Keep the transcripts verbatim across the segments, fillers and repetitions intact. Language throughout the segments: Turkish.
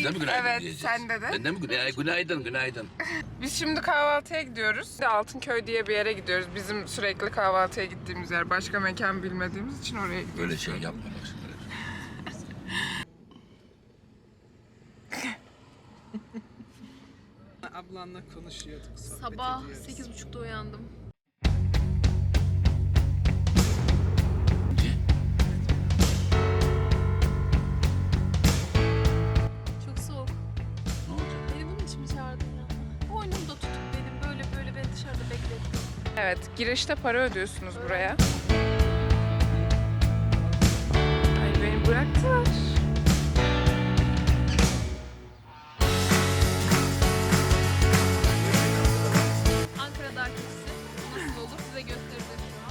de mi günaydın Evet, diyeceğiz? sende de. Ben de mi günaydın? Günaydın, günaydın. Biz şimdi kahvaltıya gidiyoruz. Altınköy diye bir yere gidiyoruz. Bizim sürekli kahvaltıya gittiğimiz yer. Başka mekan bilmediğimiz için oraya gidiyoruz. Böyle şey yapma bak şimdi. Ablanla konuşuyorduk, sohbet Sabah ediyoruz. sekiz buçukta uyandım. Çok soğuk. Ne olacak? Beni bunun için mi çağırdın ya? Boynumda tutup benim böyle böyle beni dışarıda beklettin. Evet, girişte para ödüyorsunuz buraya. Ay beni bıraktılar. Ankara'da arkadaşı nasıl olur size göstereceğim şu an.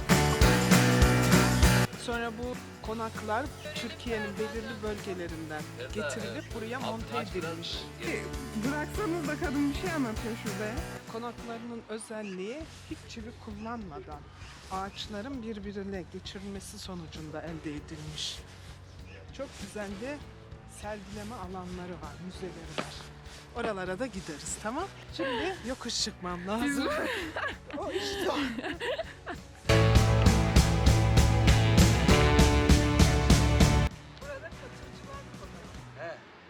Sonra bu konaklar Türkiye'nin belirli bölgelerinden getirilip buraya monte edilmiş. Bıraksanız da kadın bir şey anlatıyor şurada. Konaklarının özelliği hiç çivi kullanmadan ağaçların birbirine geçirilmesi sonucunda elde edilmiş. Çok güzel de sergileme alanları var, müzeleri var. Oralara da gideriz, tamam? Şimdi yokuş çıkmam lazım. O işte o. Burada katırcılar konağı.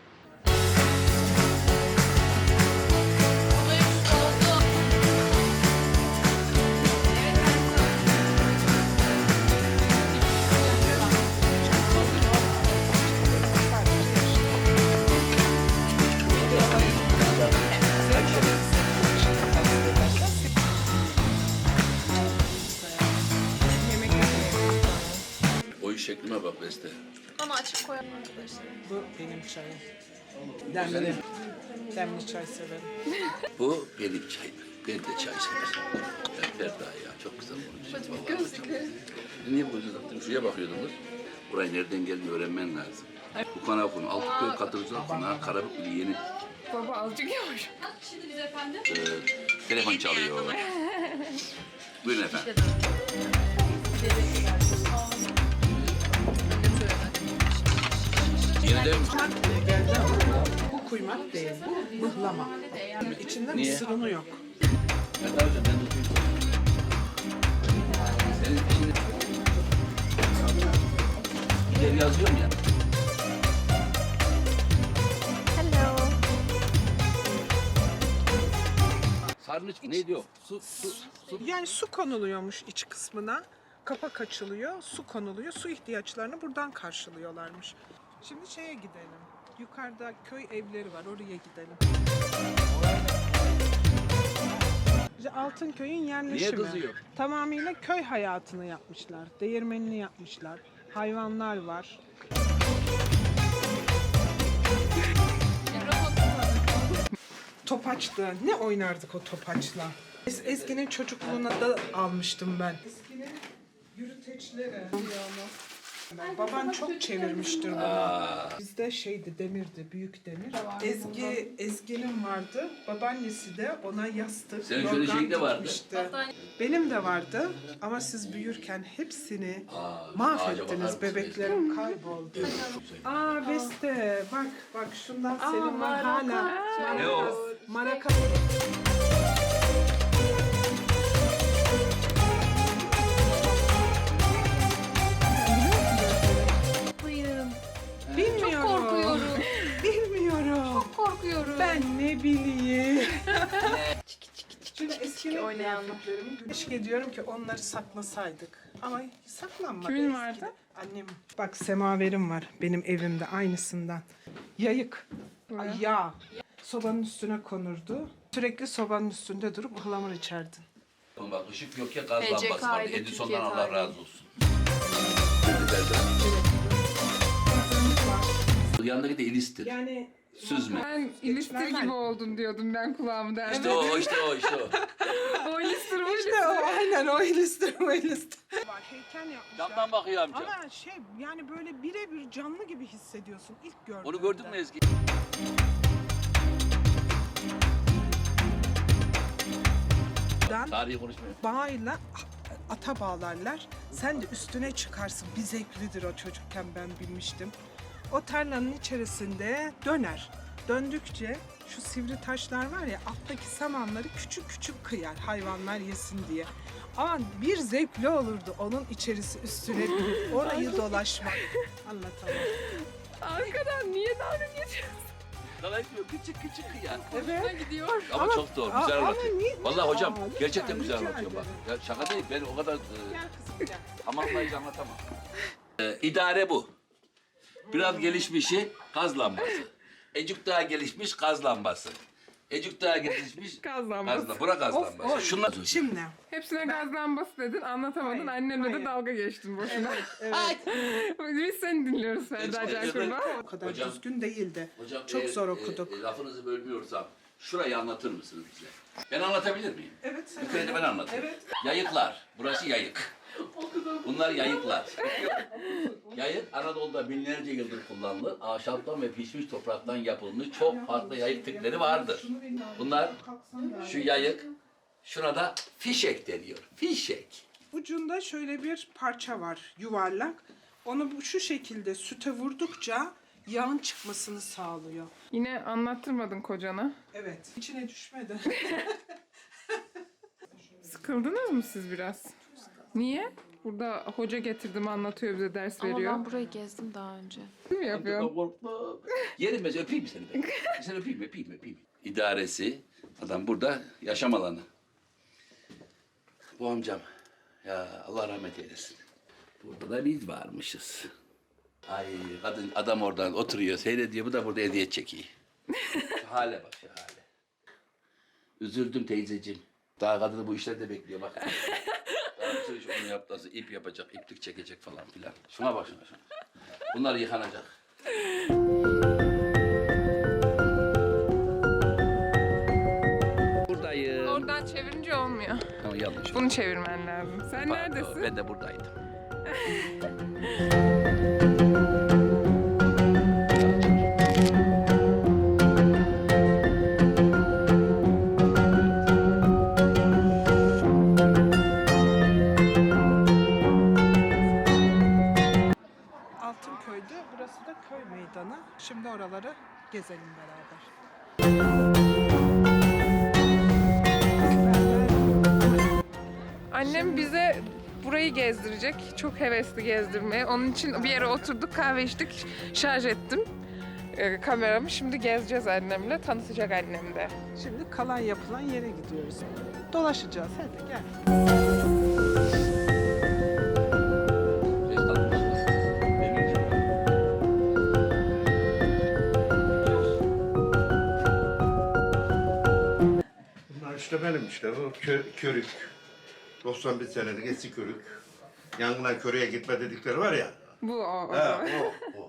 O iş şeklime bak Beste. Bana açık koyalım arkadaşlar. Bu benim çayım. Demli. Demli çay severim. Bu benim çayım. Ben de çay severim. Ben Ferda ya. Çok güzel konuşuyor. Gözlükleri. Niye bu gözü taktın? Şuraya bakıyordunuz. Buraya nereden geldiğini öğrenmen lazım. Bu konağı konu. Altınköy Katırcılar Konağı Karabük'lü yeni. Baba azıcık yavaş. Şimdi biz efendim. Ee, telefon çalıyor. Buyurun efendim. Yeniden mi? Geldi ama bu kuymak değil, bu mıhlama. İçinde Niye? mısır unu yok. Ben daha önce ben de duydum. Senin şimdi... Gider yazıyorum ya. Hello. Sarnıç neydi o? Su, su, su. Yani su konuluyormuş iç kısmına. Kapak açılıyor, su konuluyor. Su ihtiyaçlarını buradan karşılıyorlarmış. Şimdi şeye gidelim. Yukarıda köy evleri var, oraya gidelim. İşte Altınköy'ün yerleşimi. Niye kızıyor? Tamamıyla köy hayatını yapmışlar. Değirmenini yapmışlar. Hayvanlar var. Topaçtı. Ne oynardık o topaçla? Es Ezgi'nin çocukluğuna da almıştım ben. Ezgi'nin yürüteçleri. Baban çok çevirmiştir bunu. Bizde şeydi, demirdi, büyük demir. Ezgi, Ezgi'nin vardı. Babaannesi de ona yastık, Senin şöyle yorgan şeyin de vardı. dikmişti. Benim de vardı ama siz büyürken hepsini Aa, ağaca bakar mahvettiniz. mısın? Bebeklerim kayboldu. Aa Beste, bak bak şundan senin var hala. Ne o? Maraka. Hayır. Bilmiyorum. Çok korkuyorum. Bilmiyorum. Çok korkuyorum. Ben ne bileyim. Çiki çiki çiki Şimdi çiki eski çiki oynayan. kıyafetlerimi keşke diyorum ki onları saklasaydık. Ama saklanmadı. Kimin eskide. vardı? Annem. Bak semaverim var benim evimde aynısından. Yayık. Ay, yağ. Sobanın üstüne konurdu. Sürekli sobanın üstünde durup ıhlamur içerdin. Bak ışık yok ya gaz P C K lambası var. ile Edison'dan Türkiye Allah tarihi. razı olsun. Yanındaki de ilistir. Yani Süzme. Ben ilistir gibi oldun diyordum ben kulağımı derdim. İşte o, işte o, işte o. O ilistir bu işte o aynen o ilistir o ilistir. Var heykel yapmışlar. Camdan bakıyor amca. Ama şey yani böyle birebir canlı gibi hissediyorsun ilk gördüğünde. Onu gördün mü Ezgi? Tarihi konuşmuyor. Bağıyla ata bağlarlar. Sen de üstüne çıkarsın. Bir zevklidir o çocukken ben bilmiştim. O tarlanın içerisinde döner. döndükçe şu sivri taşlar var ya, alttaki samanları küçük küçük kıyar hayvanlar yesin diye. Ama bir zevkli olurdu onun içerisi üstüne binip orayı dolaşmak. Anlatamam. Arkadan niye dalga geçiyorsun? Dolaşmıyor küçük küçük ya. Hoşuna gidiyor. Ama, Ama- çok doğru, Aa, güzel ama anlatıyor. niye- Vallahi hocam Aa, lütfen, gerçekten güzel rica anlatıyor bak. ederim. Ya şaka değil, ben o kadar e, Gel kızım gel. tamamlayıcı anlatamam. E, idare bu. Biraz gelişmişi gaz lambası. Ecuk daha gelişmiş gaz lambası. Ecuk daha gelişmiş Gaz lambası. Gaz lambası. Bura gaz Of, lambası. of. Şunlar Şimdi Hepsine gaz lambası dedin, anlatamadın. Hayır, Annemle de hayır. dalga geçtin boşuna. evet, Biz seni dinliyoruz Ferda Evet, Cakur'la. o kadar Hocam- düzgün değildi. Hocam Çok eğer, zor e, okuduk. e, lafınızı bölmüyorsam şurayı anlatır mısınız bize? Ben anlatabilir miyim? Evet. sen- Yukarıda ben anlatayım. Evet. Yayıklar. Burası yayık. Bunlar yayıklar. Yayık Anadolu'da binlerce yıldır kullanılır. Ahşaptan ve pişmiş topraktan yapılmış çok farklı yayık tipleri vardır. Bunlar şu yayık, şuna da fişek deniyor. Fişek. Ucunda şöyle bir parça var, yuvarlak. Onu bu şu şekilde süte vurdukça yağın çıkmasını sağlıyor. Yine anlattırmadın kocana. Evet. İçine düşmedi. Sıkıldınız mı siz biraz? Niye? Burada hoca getirdim anlatıyor, bize ders Ama veriyor. ben burayı gezdim daha önce. Değil mi yapıyorsun? Korkma. Yerim ben öpeyim mi seni ben? Seni öpeyim öpeyim öpeyim. İdaresi, adam burada yaşam alanı. Bu amcam. Ya Allah rahmet eylesin. Burada da biz varmışız. Ay kadın adam oradan oturuyor seyrediyor, bu da burada hediye çekiyor. Şu hale bak şu hale. Üzüldüm teyzeciğim. Daha kadını bu işlerde bekliyor bak. Daha bir sürü iş onu yaptı, ip yapacak, iplik çekecek falan filan. Şuna bak şuna şuna. Bunlar yıkanacak. Buradayım. Oradan çevirince olmuyor. Ama yanlış. Bunu çevirmen lazım. Sen Pardon, neredesin? Ben de buradaydım. Altınköy'de, burası da köy meydanı. Şimdi oraları gezelim beraber. Annem bize burayı gezdirecek. Çok hevesli gezdirmeye. Onun için bir yere oturduk, kahve içtik. Şarj ettim e, kameramı. Şimdi gezeceğiz annemle. Tanıtacak annem de. Şimdi kalan yapılan yere gidiyoruz. Dolaşacağız. Hadi gel. Bunlar işte benim işte o kö, körük. doksan bir senelik eski körük. Yangına köreye gitme dedikleri var ya. Bu o. o. He o o.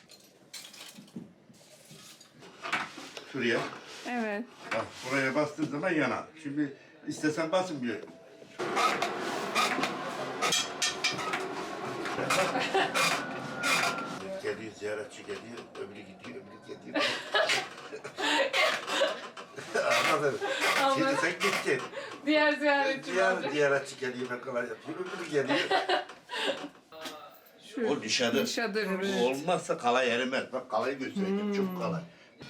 Şuraya. Evet. Bak buraya bastığın zaman yanar. Şimdi istesen basın bir. Geliyor ziyaretçi geliyor, öbürü gidiyor, öbürü gidiyor. Anladın? Şimdi sen gittin. Diğer ziyaretçi Diğer ziyaretçi geliyor, ne kadar yapıyor, öbürü geliyor. O dışarı. Dışadır. Olmazsa kalay erimez. Bak kalayı göstereyim, çok kalay.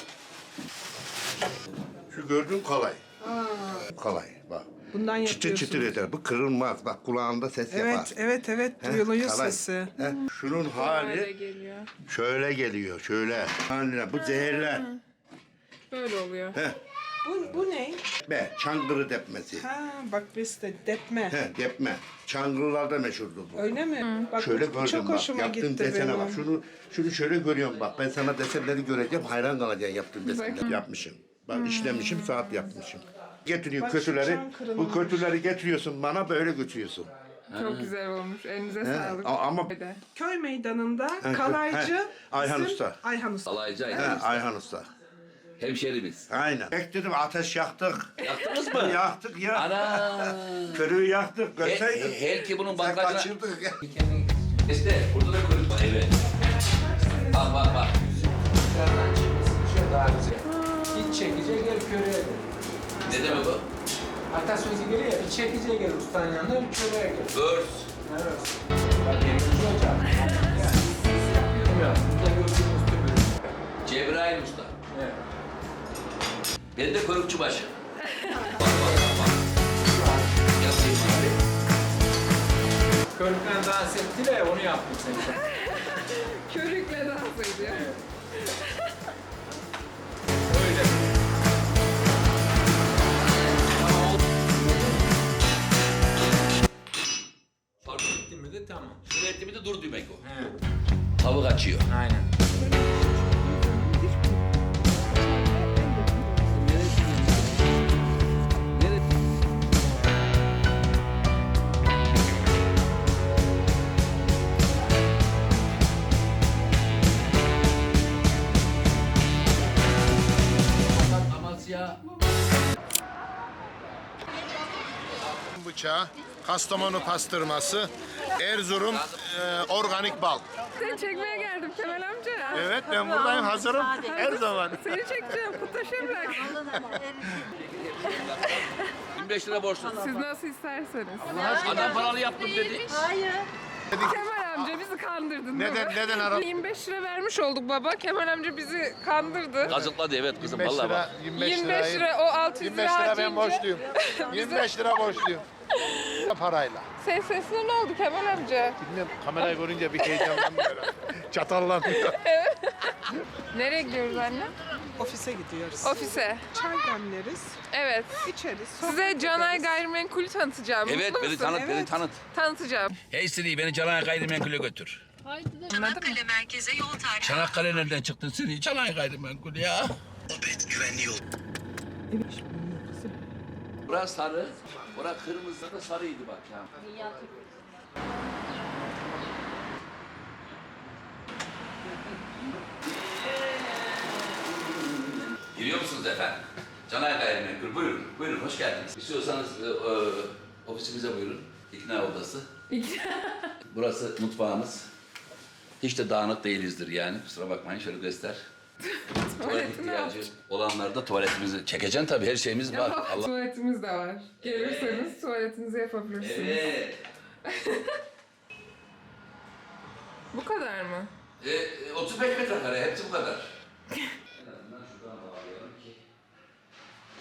Şu gördüğün kalay. Kalay bak. Bundan Çıtır yapıyorsunuz. çıtır eder. Bu kırılmaz. Bak kulağında ses yapar. Evet, evet, evet. Heh, Duyuluyor kalay. sesi. Heh, şunun Hale hali geliyor. şöyle geliyor, şöyle. Haline bu zehirler. Böyle oluyor. Heh, Bu, bu ne? be, çangırı depmesi. Ha, bak beste depme. He, depme. Çangırılarda meşhurdur bu. Öyle mi? Bak Şöyle bu gördüm çok bak. hoşuma Yaptığım gitti desene benim. bak. Şunu şunu şöyle görüyorum bak. Ben sana desenleri göreceğim. Hayran kalacaksın yaptığım desenleri. Bakayım. Yapmışım. Bak işlemişim, saat yapmışım. Getiriyor Bak şu kötüleri. çan Bu kırılmamış. kötüleri getiriyorsun bana böyle götürüyorsun. Çok güzel olmuş. Elinize He, sağlık. a- ama- Hadi. Köy meydanında He, kalaycı he, Ayhan bizim- Usta. Ayhan Usta. Alaycı He, Ayhan Usta. Ayhan Usta. Hemşerimiz. Aynen. Bekledim ateş yaktık. Yaktınız mı? yaktık ya. Ana! Körüğü yaktık. He, Görseydin. he, her ki bunun Sen bankacına... kaçırdık. İşte burada da kuyruk var, evet. Bak bak bak. Dışarıdan çıkmışsın, şöyle daha güzel. Hiç çekici gel köreye gel. Ne demek bu? Atasözü geliyor ya, bir çekici gel ustanın yanına, bir köreye gel. Örs. Evet. Bak yenici hocam. Yani, yapıyorum ya, burada gördüğünüz gibi. Cebrail Usta. Evet. Ben de körükçü başı. Bak bak bak. Yapayım abi. Körükle dans ettiler, onu yaptım seni. Körükle dans ediyor. Öyle. Fark Gittin mi de tamam. Şunu etti mi de dur demek o. He, Tavuk açıyor. aynen. Amasya. Bıçağı, Kastamonu pastırması, Erzurum e, organik bal. Seni çekmeye geldim Temel amca. Evet ben buradayım hazırım her zaman. Seni çekeceğim. Kutaşa bırak. yirmi beş lira borçlu. Siz nasıl isterseniz. Adam paralı yaptım dedi. Kemal amca bizi kandırdın. değil Neden mi? neden ara? yirmi beş lira vermiş olduk baba. Kemal amca bizi kandırdı. Kazıkladı evet kızım yirmi beş vallahi lira, bak. yirmi beş yirmi beş lirayı- lira o altı yüz yirmi lira beş lira ben harcayınca. borçluyum. yirmi beş lira borçluyum. Parayla. Ses sesine ne oldu Kemal amca? Bilmiyorum kamerayı görünce bir heyecanlanmıyor. Çatallanıyor. Nereye gidiyoruz anne? Ofise gidiyoruz. Ofise. Çay demleriz, Evet. içeriz. Size sohbet Canay ederiz. Gayrimenkul'ü tanıtacağım. Evet Mutlu beni musun? tanıt beni Evet. tanıt. Tanıtacağım. Hey Siri beni Canay Gayrimenkul'e götür. Çanakkale merkeze yol tarifi. Çanakkale nereden çıktın seni? Canay Gayrimenkul ya. Burası sarı, burası kırmızı da sarıydı bak ya. Giriyor musunuz efendim? Canay Gayrimenkul buyurun, buyurun hoş geldiniz. İstiyorsanız e, e, ofisimize buyurun. İkna odası. Burası mutfağımız. Hiç de dağınık değilizdir yani. Kusura bakmayın şöyle göster. Tuvalet ihtiyacı olanlar da tuvaletimizi çekeceksin tabii her şeyimiz var. Allah. Tuvaletimiz de var. Gelirseniz tuvaletinizi yapabilirsiniz. Evet. Bu kadar mı? E, otuz beş metrekare hepsi bu kadar.